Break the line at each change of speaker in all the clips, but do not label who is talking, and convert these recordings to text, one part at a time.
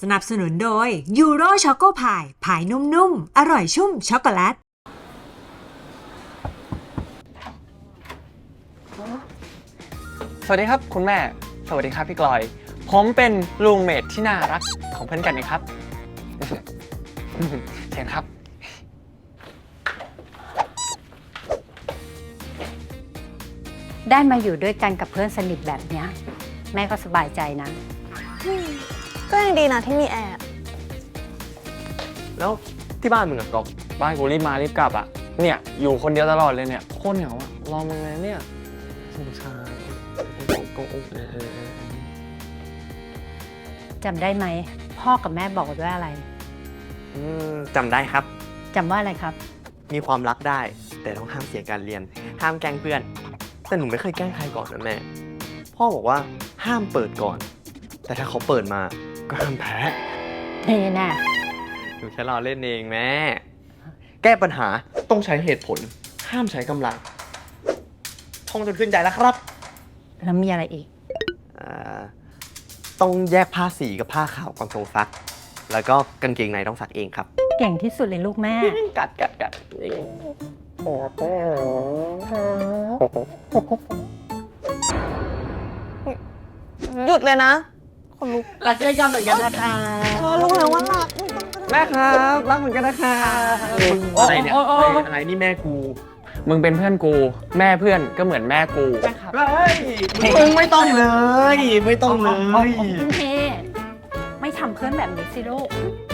สนับสนุนโดยยูโรช็อกโกพายพายนุ่มๆอร่อยชุ่มช็อกโกแลต
สวัสดีครับคุณแม่สวัสดีครับพี่กลอยผมเป็นรูมเมทที่น่ารักของเพื่อนกันนะครับ เชิญครับ
ได้มาอยู่ด้วยกันกับเพื่อนสนิทแบบเนี้ยแม่ก็สบายใจนะ
ก็ยังดีนะที่มีแอร์
แล้วที่บ้านมึงอะกอกบ้านกูรีบมารีบกลับอะเนี่ยอยู่คนเดียวตลอดเลยเนี่ยโคตรเหงาอะรอมึงเลยเนี่ยสงสารกง
จำได้ไหมพ่อกับแม่บอกว่าอะไร
จำได้ครับ
จำว่าอะไรครับ
มีความรักได้ แต่ต้องห้ามเสียการเรียน ห้ามแกล้งเพื่อน แต่หนูไม่เคยแกล้งใครก่อนนะแม่ พ่อบอกว่าห้ามเปิดก่อน แต่ถ้าเขาเปิดมาก็ห้ามแพ้
นี่แน่
หนูแค่รอเล่นเองแม่ แก้ปัญหาต้องใช้เหตุผล ห้ามใช้กำลังท่องจนขึ้นใจแล้วครับ
แล้วมีอะไรอีก
ต้องแยกผ้าสีกับผ้าขาวก่อนทรงซัก แล้วก็กางเกงในต้องซักเองครับ
เก่งที่สุดเลยลูกแม่
กัด
หยุดเลยนะคนลุก
รักด้วยกันเหมือนกันนะคะ
รู้แล้วว่ารัก
แม่ครับรักเหมือนกันนะคะอะไรเนี่ยอะไรนี่แม่กู
มึงเป็นเพื่อนกูแม่เพื่อนก็เหมือนแม่กู
เฮ้ยมึงไม่ต้องเลย ไม่ต้องเลย
คุณเทไม่ทำเพื่อนแบบนี้สิลูก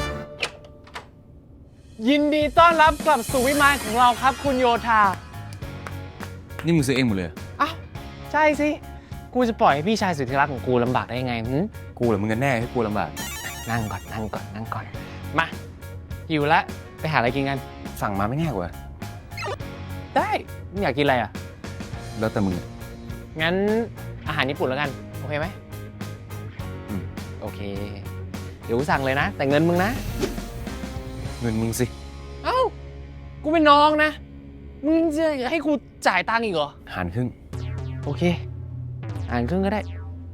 ยินดีต้อนรับกลับสู่วิมานของเราครับคุณโยธา
นี่มึงซื้อเองหมดเลย
อ้าวใช่สิกูจะปล่อยให้พี่ชายสุดที่รักของกูลำบากได้ยังไงหึ
กูเหรือมึงกันแน่ให้กูลำบาก
นั่งก่อนมาหิวแล้วไปหาอะไรกินกัน
สั่งมาไม่ง่ายกว่า
ได้มึงอยากกินอะไรอ่ะ
แล้วแต่มึงอะ
งั้นอาหารญี่ปุ่นแล้วกันโอเคไหม
อืม
โอเคเดี๋ยวกูสั่งเลยนะ แต่เงินมึงนะ
เงินมึงสิ
เอ้ากูเป็นน้องนะมึงจะให้กูจ่ายตังค์อีกเหรอ
หารครึ่ง
โอเคอ่านครึ่งก็ได้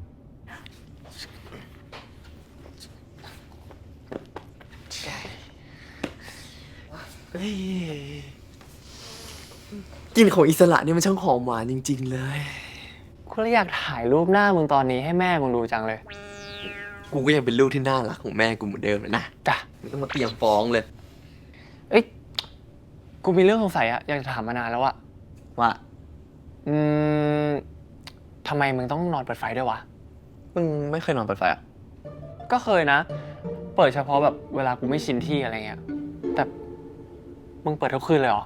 กลิ่นของอิสระเนี่ยมันช่างหอมหวานจริงๆเลย
กูเลยอยากถ่ายรูปหน้ามึงตอนนี้ให้แม่มึงดูจังเลย
กูก็ยังเป็นลูกที่น่ารักของแม่กูเหมือนเดิมเลยนะ
จ้ะ
ไม่ต้องมาเตรียมฟ้องเลย
เอ้ยกูมีเรื่องสงสัยอะอยากจะถามมานานแล้วอะ
ว่า
อืมทำไมมึงต้องนอนเปิดไฟด้วยวะ
มึงไม่เคยนอนเปิดไฟอ่ะ
ก็เคยนะ เปิดเฉพาะแบบเวลากูไม่ชินที่อะไรเงี้ยแต่มึงเปิดทุกคืนเลยเหรอ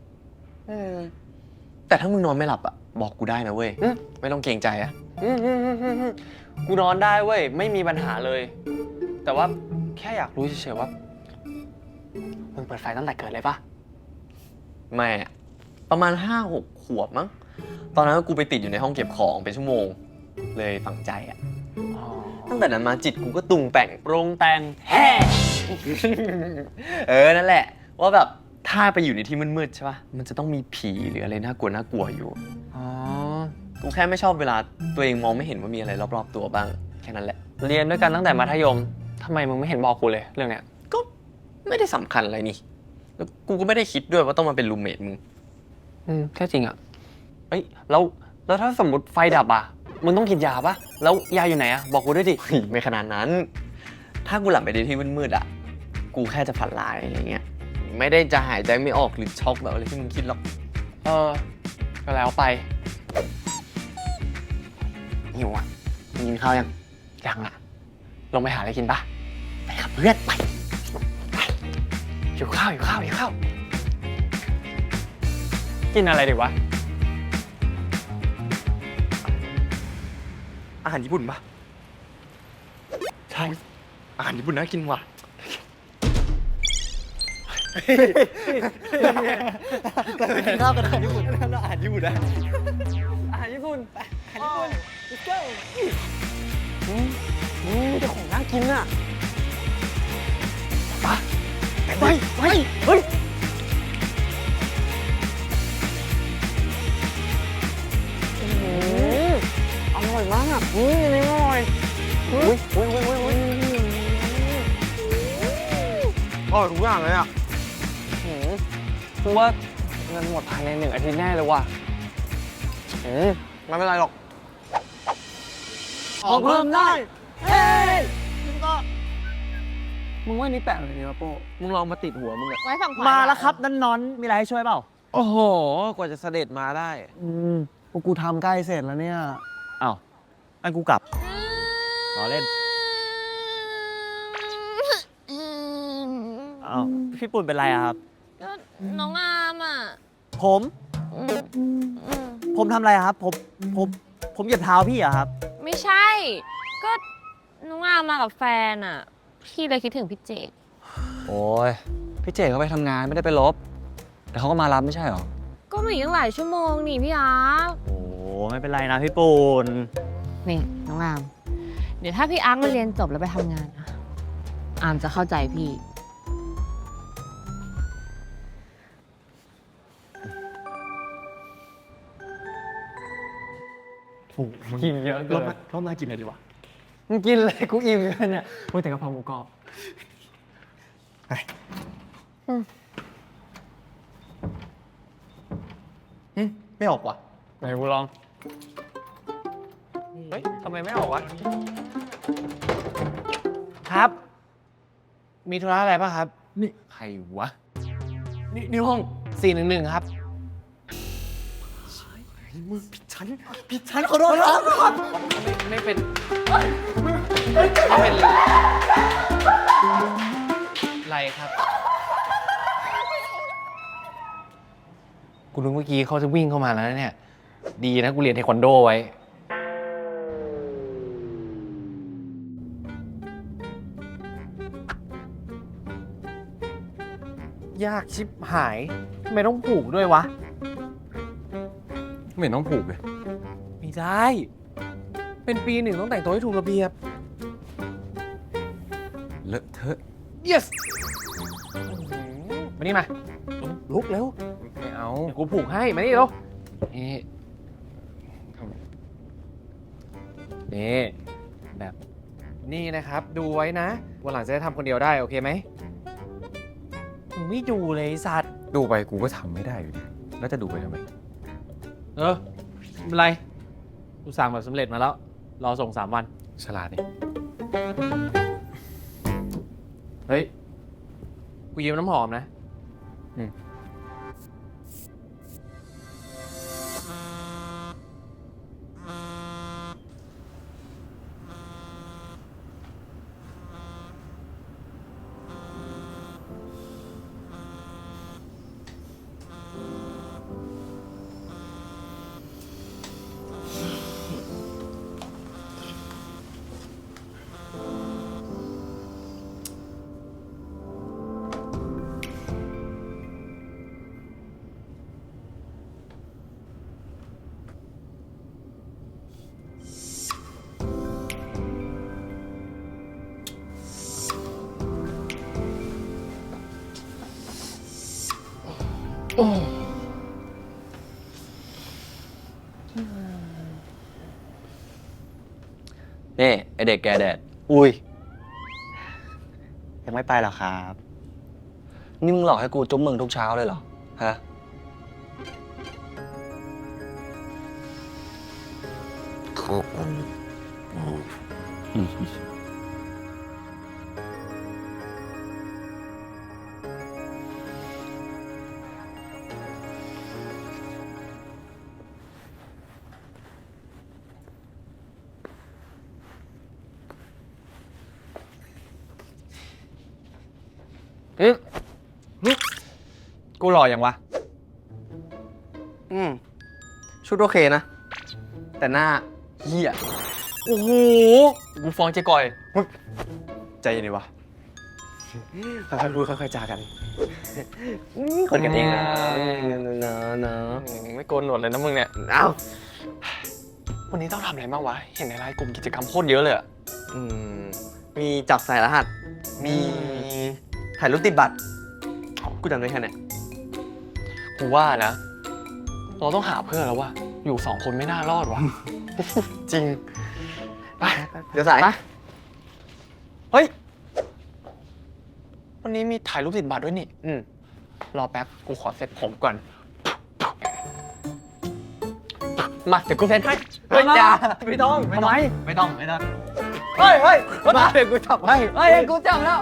แต่ถ้ามึงนอนไม่หลับอ่ะบอกกูได้นะเว้ย
อืม
ไม่ต้องเกรงใจอ่ะ
กูนอนได้เว้ยไม่มีปัญหาเลย แต่ว่าแค่อยากรู้เฉยๆว่ามึงเปิดไฟตั้งแต่เกิดเลยปะ
ไม่อะประมาณ 5-6 ขวบมั้ง ตอนนั้นกูไปติดอยู่ในห้องเก็บของเป็นชั่วโมง เลยฝังใจอ่ะ
อ๋อ
ตั้งแต่นั้นมาจิตกูก็ตุงแป่ง
ปรุงแต่ง
แฮ่นั่นแหละ ว่าแบบถ้าไปอยู่ในที่มืดๆใช่ป่ะ มันจะต้องมีผีหรืออะไรน่ากลัวอยู่
อ๋อ
กูแค่ไม่ชอบเวลาตัวเองมองไม่เห็นว่ามีอะไรรอบๆตัวบ้าง แค่นั้นแหละ
เรียนด้วยกันตั้งแต่มัธยมทำไมมึงไม่เห็นบอกกูเลยเรื่องเนี้ย
ก็ไม่ได้สำคัญอะไรนี่ แล้วกูก็ไม่ได้คิดด้วยว่าต้องมาเป็นรูมเมทมึง
แค่จริงอ่ะเอ้ยแล้วถ้าสมมติไฟดับอ่ะมึงต้องกินยาปะแล้วยาอยู่ไหนอ่ะบอกกูด้วยดิ
ไม่ขนาดนั้น ถ้ากูหลับไปในที่มืดๆอ่ะ กูแค่จะฝันร้ายอะไรเงี้ย ไม่ได้จะหายใจไม่ออกหรือช็อกแบบอะไรที่มึงคิดหรอก
เออก็แล้วไปหิวอ่ะมึงกินข้าวยังยังอ่ะลงไปหาอะไรกินปะไปกับเพื่อนไปหิวข้าวกินอะไรดีวะ
อาหารญี่ปุ่นปะใช่ อาหารญี่ปุ่นน่ากินว่ะกินข้าวกันอาหารญี่ปุ่นอาหารญี่ปุ่นนะ
อาหารญี่ปุ่นไปอาหารญี่ปุ่น let's go มีแต่ของน่ากินอ่ะไปเฮ้ยอร่อยมากอันนี้อร่อยอุ้ย
ร่อยทุกอย่างเลยอ่ะ
กูว่าเงินหมดภายใน1 อาทิตย์แน่เลยว่ะ
ไม่เป็นไรหรอก
ขอเพิ่มได้
เฮ้ย
มึงว่านี่แปลกเลยนะโป้มึงลองมาติดหัวมึงอะ
ไว้ฝั่งขวา
มาแล้วครับนั่นนอนมีอะไรให้ช่วยเปล่า
โอ้โห กว่าจะเสด็จมาได้พวกกูทำใกล้เสร็จแล้วเนี่ย
อ้าวงั้นกูกลับรอเล่นอ้าวพี่ปุ่นเป็นไรอะครับ
ก็น้องอามอ่ะ
ผมทำอะไรอะครับ ผมเหยียบเท้าพี่อะครับ
ไม่ใช่ ก็น้องอามมากับแฟนอ่ะ พี่เลยคิดถึงพี่เจด
โอ้ย พี่เจ๋เขาไปทำงานไม่ได้ไปลบ แต่เขาก็มารับไม่ใช่หรอ
ก็มาอีกตั้งหลายชั่วโมงนี่พี่อาร์ต
โอ้ไม่เป็นไรนะพี่ปุ่น
นี่น้องอาม เดี๋ยวถ้าพี่อาร์ตมาเรียนจบแล้วไปทำงานอะอามจะเข้าใจพี่
กินเยอะเกิน
รอบหน้ากินอะไรดีวะ
มึงกินเลยกูอิ่มเลยเนี่ยโอ้ยแต่กะเพราหมูกรอบ
ไม่ออกว่ะ
ไหนกูลอง เฮ้ยทำไมไม่ออกวะ ครับ มีธุระอะไรป่ะครับ
นี่ใครวะ
นี่ห้อง 411 ครับ
ฉันขอโทษครับ
ไม่เป็นไรครับ กูนึกเมื่อกี้เขาจะวิ่งเข้ามาแล้วนะเนี่ย ดีนะกูเรียนเทควันโดไว้ ยากชิบหายทำไมต้องผูกด้วยวะ
ไม่เห็นต้องผูกเลย
ไม่ได้ เป็นปี 1ต้องแต่งตัวให้ถูกระเบียบ
เลอะเทอะ
yes มานี่มา ลุกเร็ว
ไม่เอา
เดี๋ยวกูผูกให้ มานี่เร็วนี่นี่แบบนี่นะครับ ดูไว้นะ วันหลังจะได้ทำคนเดียวได้ โอเคไหมมึงไม่ดูเลยไอ้สัตว์
ดูไปกูก็ทำไม่ได้อยู่ดี แล้วจะดูไปทำไม
ไม่เป็นไร กูสั่งแบบสำเร็จมาแล้ว รอส่ง3 วัน
ฉลาดนี่
เฮ้ย กูยืมน้ำหอมนะ
นี่ ไอเด็กแกแดด
อุ้ย ยังไม่ไปหรอครับ
นี่มึงหลอกให้กูจุ๊บมึงทุกเช้าเลยเหรอ ฮะ
กูหล่ออย่างวะ
ชุดโอเคนะ แต่หน้าเหี้ย
โอ้โห กูฟ้องเจ๊กอย
ใจเย็นดีวะค่อยๆพูดค่อยๆจากัน คนกันเองนะนะ
ไม่โกนหนวดเลยนะมึงเนี่ย
เอ้า
วันนี้ต้องทำอะไรบ้างวะ เห็นในไลน์กลุ่มกิจกรรมโคตรเยอะเลยอะ
มีจับใส่รหัส มีถ่ายรูปติดบัตร กูจำได้แค่เนี้ย
กูว่านะ เราต้องหาเพื่อนแล้วว่ะ อยู่2 คนไม่น่ารอดว่ะ จริง ไป
เดี๋ยวสาย
ไป เฮ้ย
วันนี้มีถ่ายรูปติดบัตรด้วยนี่ รอแป๊บ กูขอเซ็ตผมก่อน มาเดี๋ยวกูเซ็ตให้ เฮ้ยอย่าไม่ต้องทำไมไม่ต้องเฮ้ยมาเดี๋ยวกูจับให้
เฮ้ย กูจับแล้ว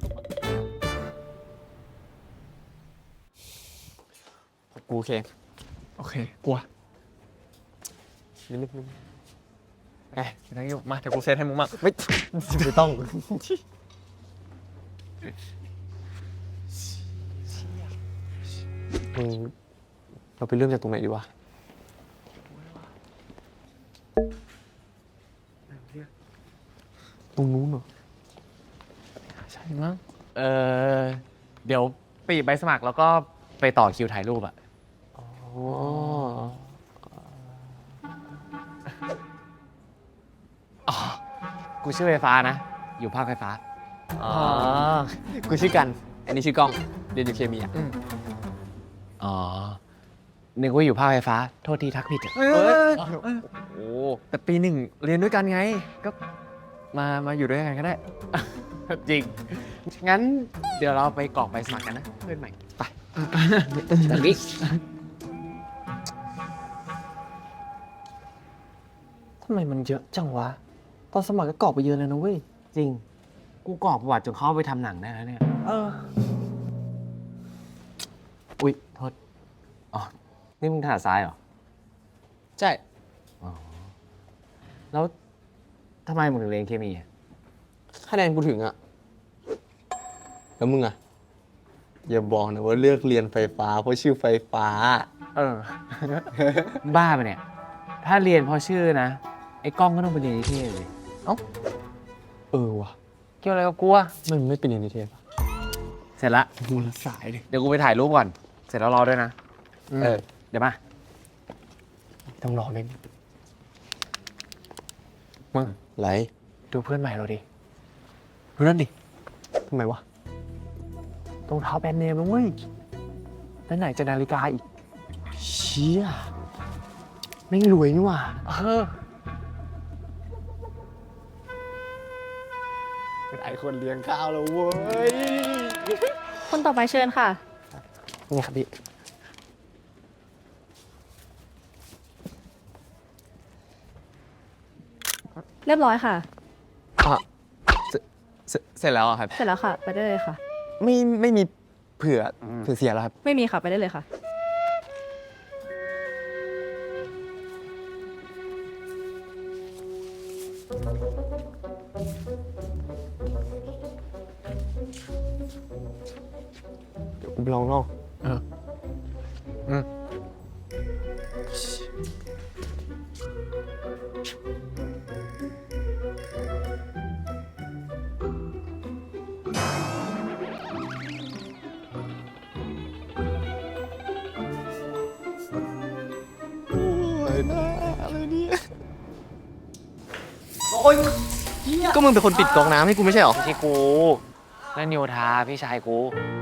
กูโอเค โอเค กลัวนิดนึงไงไม่ต้องยุ่งมาเดี๋ยวกูเซ็ตให้มึงมั่งไม่ต้อง เราไปเริ่มจากตรงไหนดีวะ ตรงนู้นเหรอ
ใช่มั้งเดี๋ยวปีใบสมัครแล้วก็ไปต่อคิวถ่ายรูปอะ
อ๋อ
อ๋อกูชื่อไฟฟ้านะ อยู่ภาคไฟฟ้า
อ๋อ กูชื่อกัน อันนี้ชื่อกล้อง เรียนอยู่เคมีอ่ะ
อ๋อ นึกว่าอยู่ภาคไฟฟ้า โทษทีทักผิดอะ
โอ้แต่ปีหนึ่งเรียนด้วยกันไง ก็มาอยู่ด้วยกันก็ได้
จริง งั้นเดี๋ยวเราไปกรอกใบสมัครกันนะ เพื่อนใหม่ ไปทางนี้
ทำไมมันเยอะจังวะ ตอนสมัครก็กรอกไปเยอะเลยนะเว้ย
จริง กูกรอกประวัติจนเขาเอาไปทำหนังได้แล้วเนี่ย อุ๊ย โทษ อ๋อ นี่มึงถนัดซ้ายเหรอ
ใช่
แล้วทำไมมึงถึงเรียนเคมีอะ
คะแนนกูถึงอ่ะ แล้วมึงอ่ะ อย่าบอกนะว่าเลือกเรียนไฟฟ้าเพราะชื่อไฟฟ้า
บ้าไปะเนี่ย ถ้าเรียนเพราะชื่อนะ ไอ้กล้องก็ต้องไปเรียนนิเทศเลย
เออว่ะ
เกี่ยวอะไรกับกูอะ
มันไม่เป็นเรียนนิเทศปะ
เสร็จละ
มูลสายเลย
เดี๋ยวกูไปถ่ายรูปก่อน เสร็จแล้วรอด้วยนะ เดี๋ยวมา
ต้องรอไหม
มึง
ไร
ดูเพื่อนใหม่เราดิ ดูนั่นดิ
ทำไมวะ
รองเท้าแบรนด์เนมแล้วเว้ยแล้วไหนจะนาฬิกาอีก
เชี่ยไม่งรวยนี่หว่า เป็นไอคนเลี้ยงข้าวแล้วเว้ย
คนต่อไปเชิญค่ะ
นี่ครับพี่
เรียบร้อยค่ะ
เสร็จแล้วอะครับ
เสร็จแล้วค่ะ ไปได้เลยค่ะ
ไม่มีเผื่อเสียแล้วครับ
ไม่มีค่ะ ไปได้เลยค่ะ
เดี๋ยวกูไปลองนอก ก็มึงเป็นคนปิดก๊อกน้ำให้กูไม่ใช่หรอ
ไม่ใช่กู นั่นโยธาพี่ชายกู